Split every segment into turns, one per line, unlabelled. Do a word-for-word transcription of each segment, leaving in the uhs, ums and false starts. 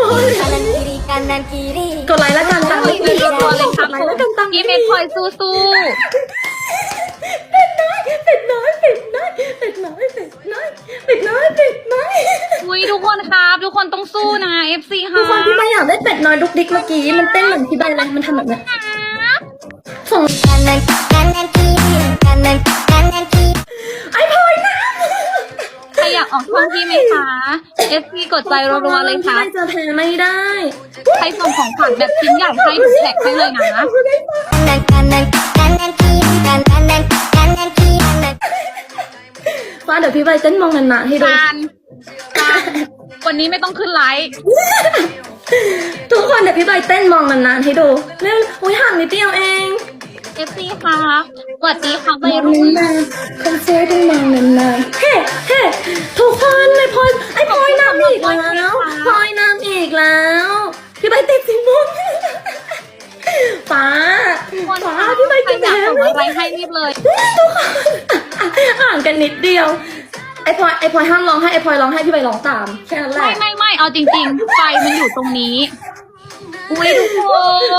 kanan kiri kanan kiri
กดไลค์แล้วกันตั้ง
รัวๆเลยครับ
กดไลค์แล้วกันตั้ง
พี่เมย์พลอยสู้
เป็ดน้อยเป็ดน้อยเป็ดน้อยเป็ดน้อยเป็ดน้อยเป็ดน้อยเป็ดน้อย
ๆอุ้ยทุกคนครับทุกคนต้องสู้นะ เอฟ ซี
ทุ
ค่ะ
กคนพี่ใบอยากได้เป็ดน้อยดุกดิกเมื่อกี้มันเต้นเหมือนพี่ใบเลยมันทำแบบเนี้ยส่ง
kanan kanan kiri kanan kanan kiri
ไอ้พลอยนะ
ใครอยากออกช่องพี่ไหมคะ เอฟ ซี กดใจรัวๆเลยค่ะ
พี่ใบจะแพ้ไม่ได้
ใครส่งของขวัญแบบชิ้นใหญ่ให้ดูแท็กให้เลยนะ
kanan kanan kanan kiri kanan kanan kiri kanan
ฟ้าเดี๋ยวพี่ใบเต้นมองนานๆให้ดู
การการวันนี้ไม่ต้องขึ้นไลฟ์
ทุกคนเดี๋ยวพี่ใบเต้นมองนานๆให้ดูเร็วอุ้ยห่างนิดเดียวเอง
เอฟ ซี ค่ะสวัสดีค่ะ
ม
วัย
อง
รุ่น
นานๆคอนเสิร์ตต้องมองนานๆเฮ้เฮ้ทุกคนไอ้พลอยไอ้พลอยน้ำอีกแล้วพลอยน้ำอีกแล้วพี่ใบติดสิมุนฟ้า
คน
ฟ้า
ค่ะ
พี่ใบ
ใคร
จะ
อยาก
แพ้
ส่ง
ไม่
อะไรให้รีบเลย
ทุกคนห่างกันนิดเดียวไอ้พลอยไอ้พลอยห้ามร้องให้ไอ้พลอยร้องให้พี่ใบร้องตามแค่นั้นแห
ไม่
ละ
ไม่ไม่เอาจริงๆ ไฟมันอยู่ตรงนี้ อุ้ยทุกคน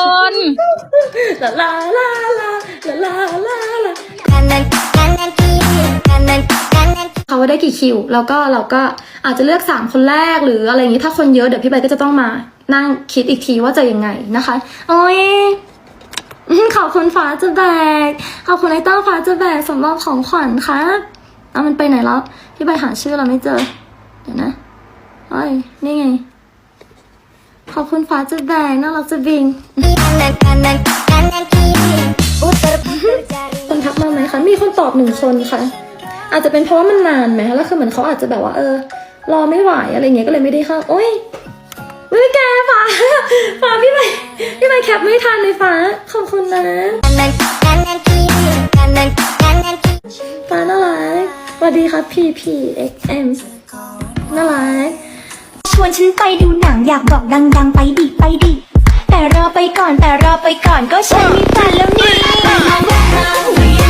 ลาลาลาลาลาลาลาลา
kanan kanan kiri kanan kanan
เขาว่าได้กี่คิว แล้วก็เราก็อาจจะเลือกสามคนแรกหรืออะไรอย่างนี้ถ้าคนเยอะเดี๋ยวพี่ใบก็จะต้องมานั่งคิดอีกทีว่าจะยังไงนะคะ โอ้ยอื้อขอบคุณฟ้าจะแบกขอบคุณไอ้เต้าฟ้าจะแบกสำหรับของขวัญครับเอามันไปไหนแล้วพี่ใบหาชื่อเราไม่เจอเดี๋ยวนะโอ้ยนี่ไงขอบคุณฟ้าจะแบกน่ารักจะบิง
kanan kanan kanan kiri putar putar jari
คนทักมาไหมคะ มีคนตอบหนึ่งคนค่ะ อาจจะเป็นเพราะว่ามันนานไหมแล้วคือเหมือนเขาอาจจะแบบว่าเออ รอไม่ไหวอะไรเงี้ยก็เลยไม่ได้เข้า โอ้ยไม่แกฟ้าฟ้าพี่ใบพี่ใบแคปไม่ทันเลยฟ้า ขอบคุณนะ
kanan kanan kiri kanan kanan kiri
ฟ้าน่ารักสวัสดีครับ พี พี เอ็กซ์ เอ็ม น่ารัก
ชวนฉันไปดูหนังอยากบอกดังๆไปดิไปดิแต่รอไปก่อนแต่รอไปก่อนก็ฉันมีแฟนแล้วนี่